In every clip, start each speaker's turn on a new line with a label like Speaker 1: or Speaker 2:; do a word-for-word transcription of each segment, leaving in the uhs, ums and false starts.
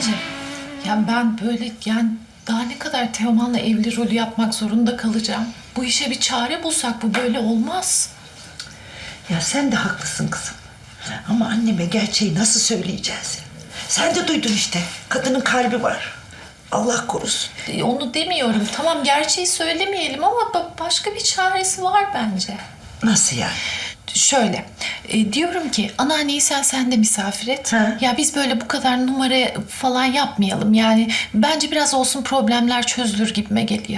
Speaker 1: Anneanneciğim, yani ben böyle yani daha ne kadar Teoman'la evli rolü yapmak zorunda kalacağım? Bu işe bir çare bulsak bu böyle olmaz.
Speaker 2: Ya sen de haklısın kızım. Ama anneme gerçeği nasıl söyleyeceğiz? Sen de duydun işte. Kadının kalbi var. Allah korusun.
Speaker 1: E, Onu demiyorum. Tamam gerçeği söylemeyelim ama ba- başka bir çaresi var bence.
Speaker 2: Nasıl yani?
Speaker 1: Şöyle, e, diyorum ki anneanneyi sen sen de misafir et.
Speaker 2: Ha.
Speaker 1: Ya biz böyle bu kadar numara falan yapmayalım. Yani bence biraz olsun problemler çözülür gibime geliyor.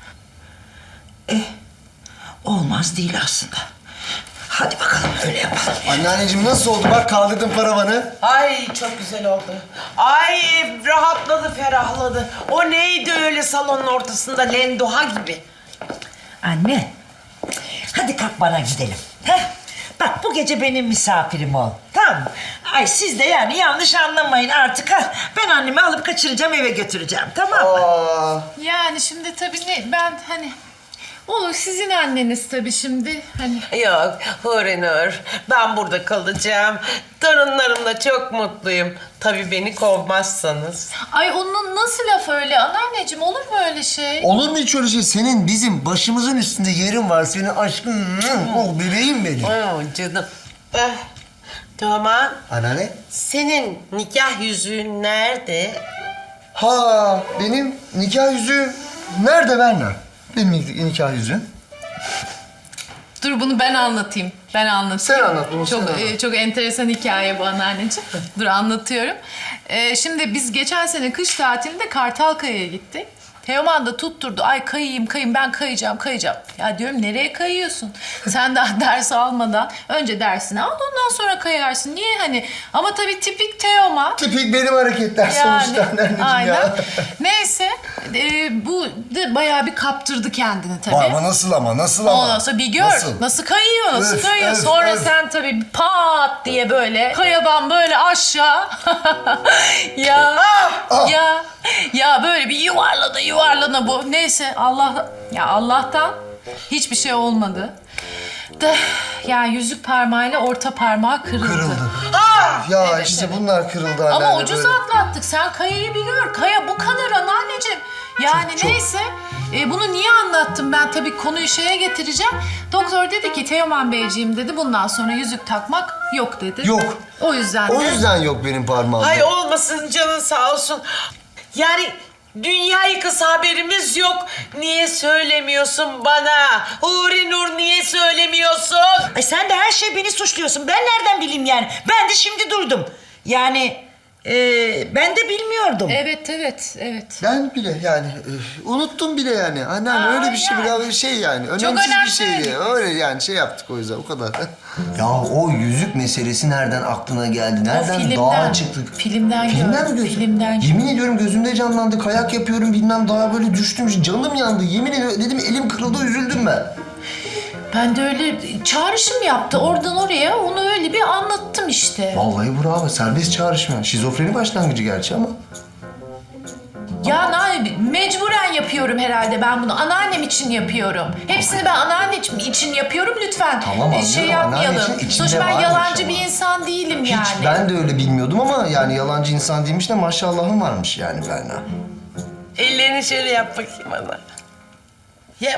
Speaker 2: Olmaz değil aslında. Hadi bakalım öyle yapalım.
Speaker 3: Anneanneciğim nasıl oldu? Bak kaldırdım paravanı.
Speaker 4: Ay çok güzel oldu. Ay rahatladı, ferahladı. O neydi öyle salonun ortasında lendoha gibi?
Speaker 2: Anne, hadi kalk bana gidelim. Heh. Bak bu gece benim misafirim ol. Tamam mı? Ay siz de yani yanlış anlamayın artık. Ha. Ben annemi alıp kaçıracağım eve götüreceğim tamam mı?
Speaker 3: Aa,
Speaker 1: Yani şimdi tabii ne, ben hani... Olur sizin anneniz tabii şimdi hani...
Speaker 4: Yok Hurinur, ben burada kalacağım. Torunlarımla çok mutluyum. Tabii beni kovmazsanız.
Speaker 1: Ay onun nasıl laf öyle anneanneciğim, olur mu öyle şey?
Speaker 3: olur mu hiç öyle şey? Senin bizim başımızın üstünde yerin var. Senin aşkın, oh bebeğim benim.
Speaker 4: Oh canım. Eh, Teoman,
Speaker 3: Anneanne?
Speaker 4: senin nikah yüzüğün nerede?
Speaker 3: Ha, benim nikah yüzüğüm nerede Berna? Benim nikah yüzüğüm.
Speaker 1: Dur bunu ben anlatayım. Ben anlatayım.
Speaker 3: Sen anlat bunu,
Speaker 1: Çok
Speaker 3: sen anlat.
Speaker 1: e, çok enteresan hikaye bu anneanneciğim. Dur anlatıyorum. E, şimdi biz geçen sene kış tatilinde Kartalkaya'ya gittik. Teoman da tutturdu. Ay kayayım kayayım ben kayacağım kayacağım. Ya diyorum nereye kayıyorsun? Sen daha ders almadan önce dersini al ondan sonra kayarsın. Niye hani? Ama tabii tipik Teoman.
Speaker 3: Tipik benim hareketler sonuçta anneciğim
Speaker 1: aynen.
Speaker 3: ya.
Speaker 1: Neyse e, bu da bayağı bir kaptırdı kendini tabii.
Speaker 3: Ama nasıl ama, nasıl ama?
Speaker 1: Ondan sonra bir gör nasıl,
Speaker 3: Nasıl?
Speaker 1: kayıyor, nasıl
Speaker 3: Öf,
Speaker 1: kayıyor.
Speaker 3: öf,
Speaker 1: Sonra
Speaker 3: öf.
Speaker 1: sen tabii pat diye böyle kayadan böyle aşağı. ya
Speaker 3: Ah!
Speaker 1: ya ya böyle bir yuvarlana yuvarlana bu. Neyse Allah ya Allah'tan hiçbir şey olmadı. Da ya yüzük parmağıyla orta parmağı kırıldı.
Speaker 3: Kırıldı. Ya
Speaker 1: Evet,
Speaker 3: işte
Speaker 1: evet.
Speaker 3: bunlar kırıldı
Speaker 1: Ama
Speaker 3: anneanne
Speaker 1: ucuz
Speaker 3: böyle.
Speaker 1: atlattık. Sen kayayı bir gör. Kaya bu kadar anneanneciğim. Yani
Speaker 3: Çok, çok.
Speaker 1: neyse. E, bunu niye anlattım ben? Tabii konuyu şeye getireceğim. Doktor dedi ki Teoman Beyciğim dedi bundan sonra yüzük takmak yok dedi.
Speaker 3: Yok.
Speaker 1: O yüzden
Speaker 3: O
Speaker 1: de...
Speaker 3: yüzden yok benim parmağımda.
Speaker 4: Ay olmasın canın sağ olsun. Yani dünya yıkısı haberimiz yok. Niye söylemiyorsun bana? Huri Nur niye söylemiyorsun?
Speaker 2: Ay sen de her şey beni suçluyorsun. Ben nereden bileyim yani? Ben de şimdi duydum. Yani e, ben de bilmiyordum.
Speaker 1: Evet, evet, evet.
Speaker 3: Ben bile yani üf, unuttum bile yani. Anneanne
Speaker 1: Aa,
Speaker 3: öyle bir şey
Speaker 1: yani.
Speaker 3: bile bir şey yani. Önemsiz
Speaker 1: önemli
Speaker 3: bir şeydi.
Speaker 1: değil.
Speaker 3: Öyle yani şey yaptık o yüzden o kadar. Ya o yüzük meselesi nereden aklına geldi? Nereden
Speaker 1: filmden,
Speaker 3: dağa çıktık?
Speaker 1: filmden
Speaker 3: Filmden
Speaker 1: gördüm,
Speaker 3: mi gözün?
Speaker 1: filmden
Speaker 3: Yemin ediyorum gözümde canlandı. Kayak yapıyorum bilmem dağa böyle düştüm. Canım yandı. Yemin ediyorum dedim elim kırıldı üzüldüm ben.
Speaker 1: Ben de öyle çağrışım yaptı oradan oraya. Onu öyle bir anlattım işte.
Speaker 3: Vallahi bravo. Serbest çağrışma. Şizofreni başlangıcı gerçi ama.
Speaker 1: Ya ne mecburen yapıyorum herhalde ben bunu. Anneannem için yapıyorum. Hepsini ben anneannem için yapıyorum lütfen.
Speaker 3: Tamam,
Speaker 1: e, şey
Speaker 3: anlıyorum. Anneanne
Speaker 1: yapmayalım.
Speaker 3: için içinde
Speaker 1: Sonuçta ben
Speaker 3: varmış
Speaker 1: yalancı
Speaker 3: ama.
Speaker 1: bir insan değilim
Speaker 3: Hiç
Speaker 1: yani.
Speaker 3: ben de öyle bilmiyordum ama yani yalancı insan değilmiş de maşallahım varmış yani Berna.
Speaker 4: Ellerini şöyle yap bakayım bana. Yap.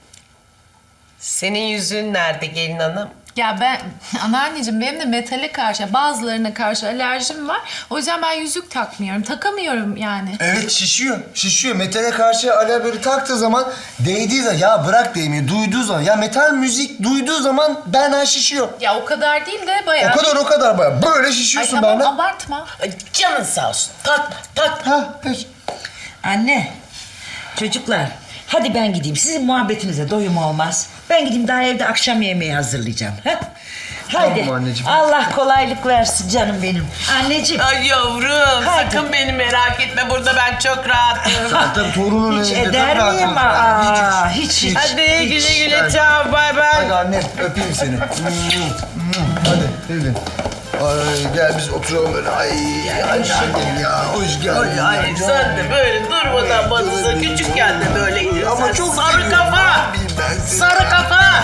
Speaker 4: Senin yüzüğün nerede gelin hanım?
Speaker 1: Ya ben anneanneciğim benim de metale karşı bazılarına karşı alerjim var. O yüzden ben yüzük takmıyorum. Takamıyorum yani.
Speaker 3: Evet şişiyor. Şişiyor. Metale karşı alev böyle taktığı zaman değdiği zaman ya bırak değmeyi duyduğu zaman ya metal müzik duyduğu zaman Berna şişiyor.
Speaker 1: Ya o kadar değil de bayağı.
Speaker 3: O kadar o kadar baya. Böyle
Speaker 1: Ay
Speaker 3: şişiyorsun
Speaker 1: tamam
Speaker 3: Berna.
Speaker 1: abartma.
Speaker 4: Ay, canın sağ olsun. Takma, takma.
Speaker 3: Ha peki.
Speaker 2: Anne, çocuklar hadi ben gideyim. Sizin muhabbetinize doyum olmaz. Ben gideyim daha evde akşam yemeği hazırlayacağım. Ha? Haydi.
Speaker 3: Tamam anneciğim.
Speaker 2: Allah kolaylık versin canım benim. Anneciğim.
Speaker 4: Ay yavrum
Speaker 2: Haydi.
Speaker 4: sakın beni merak etme burada ben çok rahatım.
Speaker 3: Zaten torunun
Speaker 2: Hiç
Speaker 3: elinde
Speaker 2: eder
Speaker 3: çok rahat
Speaker 2: miyim?
Speaker 3: olsun.
Speaker 2: Aa, hiç, hiç.
Speaker 4: Hadi güle güle
Speaker 3: Hadi.
Speaker 4: çao bay
Speaker 3: Hadi
Speaker 4: bay.
Speaker 3: annem öpeyim seni. Hadi Pelin. Ay gel biz oturalım böyle. Ay annem ya hoş geldin.
Speaker 4: Ay, ay
Speaker 3: ya.
Speaker 4: sen de böyle durmadan batıza küçükken de böyleydin.
Speaker 3: Ama
Speaker 4: Sen
Speaker 3: çok
Speaker 4: sarı
Speaker 3: seviyorum
Speaker 4: kafa.
Speaker 3: abim ben seni.
Speaker 4: Sarı kafa.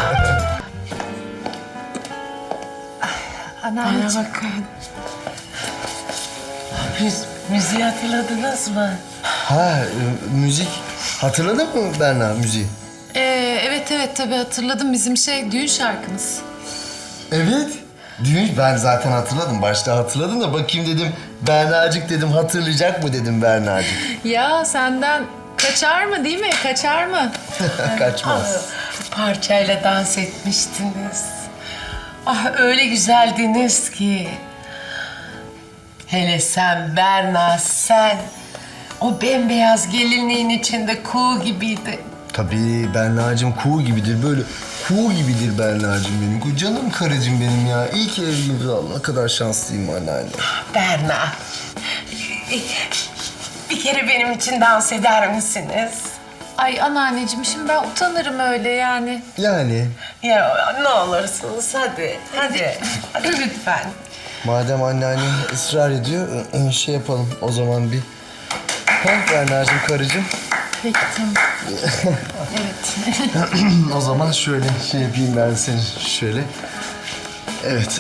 Speaker 1: Anneanneciğim.
Speaker 4: bakın. Biz Müziği hatırladınız mı?
Speaker 3: Ha e, müzik. Hatırladın mı Berna müziği?
Speaker 1: Ee, evet evet tabii hatırladım bizim şey düğün şarkımız.
Speaker 3: Evet. Düğün ben zaten hatırladım. Başta hatırladım da bakayım dedim. Bernacık dedim hatırlayacak mı dedim Bernacık.
Speaker 1: Ya senden kaçar mı değil mi? Kaçar mı?
Speaker 3: Kaçmaz.
Speaker 4: Parçayla dans etmiştiniz. Ah öyle güzeldiniz ki. Hele sen Berna sen. O bembeyaz gelinliğin içinde kuğu gibiydi.
Speaker 3: Tabii Berna'cığım kuğu gibidir. Böyle kuğu gibidir Berna'cığım benim. Canım karıcığım benim ya. İyi ki evliyiz. Allah ne kadar şanslıyım anneanne.
Speaker 4: Berna. Bir kere benim için dans eder misiniz?
Speaker 1: Ay anneanneciğim şimdi ben utanırım öyle yani.
Speaker 3: Yani
Speaker 4: Ya ne olursunuz hadi. Hadi. Hadi lütfen.
Speaker 3: madem anneanne ısrar ediyor e, şey yapalım o zaman bir. Ha Berna'cığım karıcığım.
Speaker 1: Peki tamam. Evet.
Speaker 3: O zaman şöyle şey yapayım ben seni şöyle. Evet.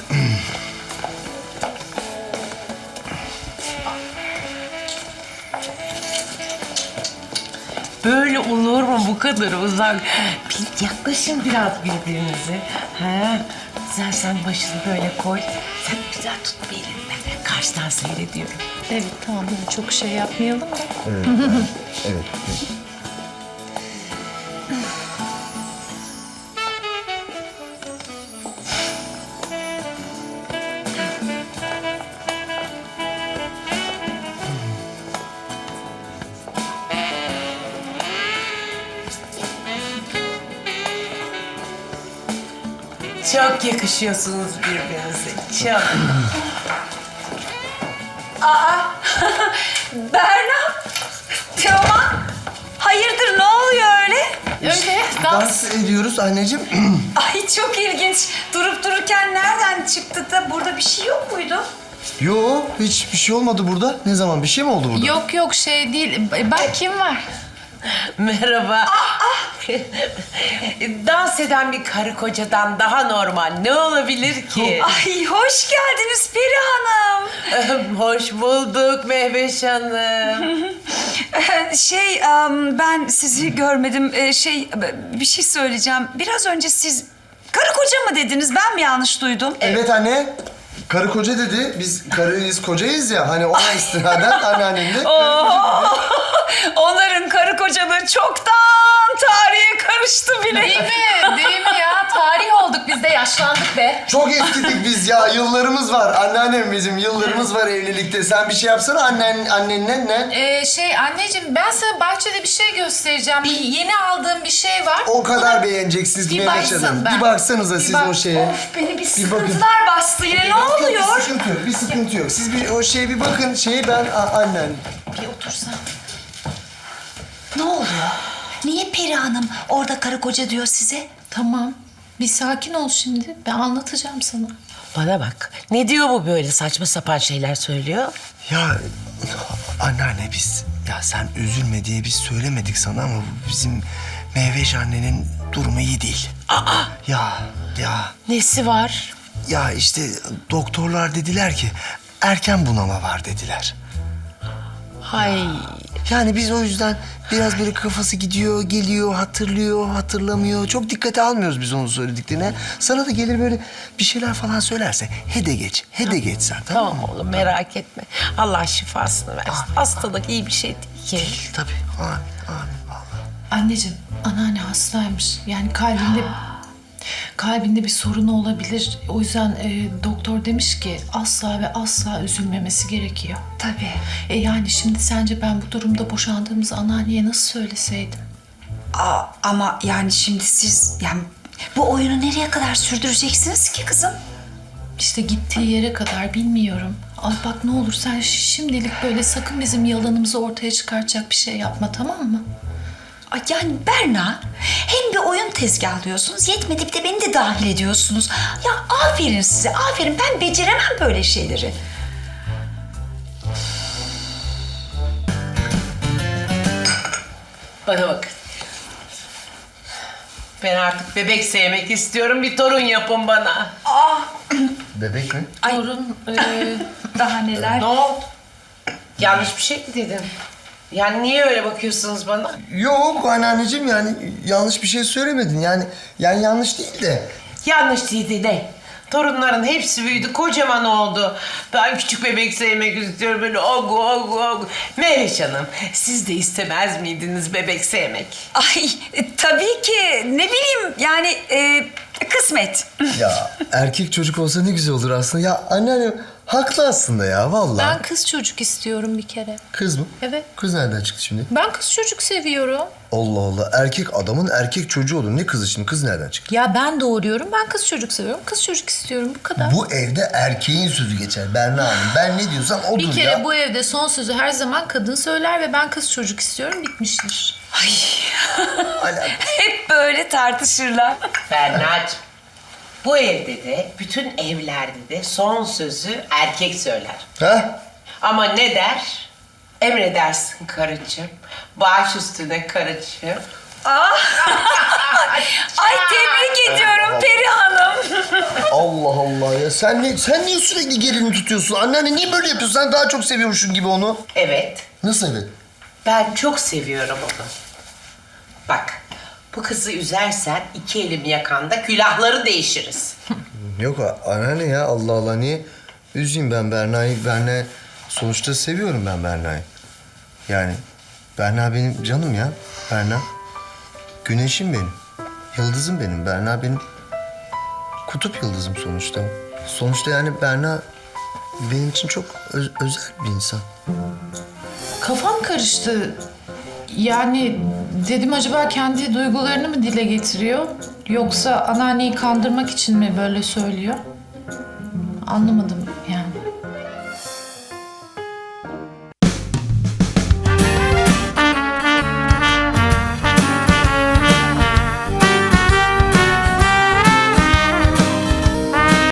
Speaker 4: Böyle olur mu bu kadar uzak? Bir yaklaşın biraz birbirinize. Ha? Güzel sen başını böyle koy. Sen güzel tut bir elinden. Karşıdan seyrediyorum.
Speaker 1: Evet tamam böyle çok şey yapmayalım da.
Speaker 3: Evet. evet.
Speaker 4: Çok yakışıyorsunuz birbirinize. Çok.
Speaker 5: Berna, Teoman, hayırdır ne oluyor öyle?
Speaker 1: Öyle dans.
Speaker 3: Dans ediyoruz anneciğim.
Speaker 5: Ay çok ilginç. Durup dururken nereden çıktı da burada bir şey yok muydu?
Speaker 3: Yo hiçbir şey olmadı burada. Ne zaman bir şey mi oldu burada?
Speaker 1: Yok yok şey değil. Bak kim var?
Speaker 4: Merhaba. Dans eden bir karı kocadan daha normal ne olabilir ki?
Speaker 5: Ay hoş geldiniz Peri Hanım.
Speaker 4: Hoş bulduk Mehveş Hanım.
Speaker 5: şey em, ben sizi görmedim. Ee, şey bir şey söyleyeceğim. Biraz önce siz karı koca mı dediniz? Ben mi yanlış duydum?
Speaker 3: Evet anne. Karı koca dedi. Biz karıyız kocayız ya. Hani ona istinaden anneannemle.
Speaker 5: Onların karı kocalığı çoktan tarihe karıştı bile.
Speaker 1: Değil mi? Değil mi ya? Tarih olduk biz de yaşlandık be.
Speaker 3: Çok eskidik biz ya. Yıllarımız var. Anneannem bizim. Yıllarımız var evlilikte. Sen bir şey yapsana annen, annenle ne?
Speaker 1: Ee, şey anneciğim ben sana bahçede bir şey göstereceğim. Bir yeni aldığım bir şey var.
Speaker 3: O kadar beğeneceksiniz
Speaker 1: Bir
Speaker 3: Mehmet
Speaker 1: baksın
Speaker 3: Hanım.
Speaker 1: ben.
Speaker 3: Bir baksanıza siz
Speaker 1: bak-
Speaker 3: o şeye.
Speaker 5: Of beni bir
Speaker 3: bakın.
Speaker 5: sıkıntılar bastı yine. Ne oluyor?
Speaker 3: Bir sıkıntı yok. Bir sıkıntı yok. Siz bir o şeye bir bakın. Şeyi ben a, annen.
Speaker 1: Bir otursan.
Speaker 5: Ne oluyor? Niye Peri Hanım orada karı koca diyor size?
Speaker 1: Tamam. Bir sakin ol şimdi. Ben anlatacağım sana.
Speaker 4: Bana bak. Ne diyor bu böyle saçma sapan şeyler söylüyor?
Speaker 3: Ya anneanne biz ya sen üzülme diye biz söylemedik sana ama bu bizim Mehveş annenin durumu iyi değil.
Speaker 4: Aa,
Speaker 3: Ya ya
Speaker 4: nesi var?
Speaker 3: ya işte doktorlar dediler ki erken bunama var dediler.
Speaker 4: Hay.
Speaker 3: Yani biz o yüzden biraz böyle kafası gidiyor, geliyor, hatırlıyor, hatırlamıyor. Çok dikkate almıyoruz biz onun söylediklerine. Sana da gelir böyle bir şeyler falan söylerse he de geç, he de geç sen tamam mı?
Speaker 4: Tamam oğlum merak etme. Allah şifasını versin. Hastalık iyi bir şey değil ki.
Speaker 3: Değil tabii. Amin, amin vallahi.
Speaker 1: Anneciğim anneanne hastaymış. Yani kalbinde kalbinde bir sorunu olabilir. O yüzden e, doktor demiş ki asla ve asla üzülmemesi gerekiyor.
Speaker 5: Tabii.
Speaker 1: E yani şimdi sence ben bu durumda boşandığımızı anneanneye nasıl söyleseydim?
Speaker 5: Aa, ama yani şimdi siz yani bu oyunu nereye kadar sürdüreceksiniz ki kızım?
Speaker 1: İşte gittiği yere kadar bilmiyorum. Al bak ne olur sen şimdilik böyle sakın bizim yalanımızı ortaya çıkartacak bir şey yapma tamam mı?
Speaker 5: Ay yani Berna hem bir oyun tezgahlıyorsunuz yetmedi bir de beni de dahil ediyorsunuz. Ya aferin size aferin ben beceremem böyle şeyleri.
Speaker 4: Bana bakın. Ben artık bebek sevmek istiyorum. Bir torun yapın bana.
Speaker 3: Bebek mi?
Speaker 1: Torun e,
Speaker 5: Daha neler?
Speaker 4: Ne oldu? Yanlış bir şey mi dedim? Yani niye öyle bakıyorsunuz bana?
Speaker 3: Yok anneanneciğim yani yanlış bir şey söylemedin. Yani yani yanlış değil de.
Speaker 4: Yanlış değildi ne? Torunların hepsi büyüdü, kocaman oldu. Ben küçük bebek sevmek istiyorum böyle ogu ogu ogu. Meriç Hanım, siz de istemez miydiniz bebek sevmek?
Speaker 5: Ay e, tabii ki ne bileyim yani e, kısmet.
Speaker 3: Ya erkek çocuk olsa ne güzel olur aslında. Ya anneannem haklı aslında ya vallahi.
Speaker 1: Ben kız çocuk istiyorum bir kere.
Speaker 3: Kız mı?
Speaker 1: Evet.
Speaker 3: Kız nereden çıktı şimdi?
Speaker 1: Ben kız çocuk seviyorum.
Speaker 3: Allah Allah. Erkek adamın erkek çocuğu olur. Ne kızı şimdi? Kız nereden çıktı?
Speaker 1: Ya ben doğuruyorum, ben kız çocuk seviyorum. Kız çocuk istiyorum, bu kadar.
Speaker 3: Bu evde erkeğin sözü geçer Berna Hanım. Ben ne diyorsam odur
Speaker 1: Bir kere
Speaker 3: ya.
Speaker 1: bu evde son sözü her zaman kadın söyler ve ben kız çocuk istiyorum, bitmiştir.
Speaker 3: Ala-
Speaker 5: Hep böyle tartışırlar.
Speaker 4: Berna'cığım, bu evde de, bütün evlerde de son sözü erkek söyler.
Speaker 3: Ha?
Speaker 4: Ama ne der? Emredersin karıcığım. Baş üstüne karıcığım.
Speaker 5: Ay tebrik ediyorum Peri Hanım.
Speaker 3: Allah Allah ya. Sen ne, sen niye sürekli gerini tutuyorsun? Anneanne niye böyle yapıyorsun? Sen daha çok seviyormuşsun gibi onu.
Speaker 4: Evet,
Speaker 3: Nasıl evet?
Speaker 4: ben çok seviyorum onu. Bak, bu kızı üzersen iki elim yakanda külahları değişiriz.
Speaker 3: Yok anneanne ya Allah Allah niye üzeyim ben Berna'yı? Berna sonuçta seviyorum ben Berna'yı. Yani Berna benim canım ya. Berna güneşim benim. Yıldızım benim. Berna benim kutup yıldızım sonuçta. Sonuçta yani Berna benim için çok öz- özel bir insan.
Speaker 1: Kafam karıştı. Yani dedim acaba kendi duygularını mı dile getiriyor? Yoksa anneanneyi kandırmak için mi böyle söylüyor? Anlamadım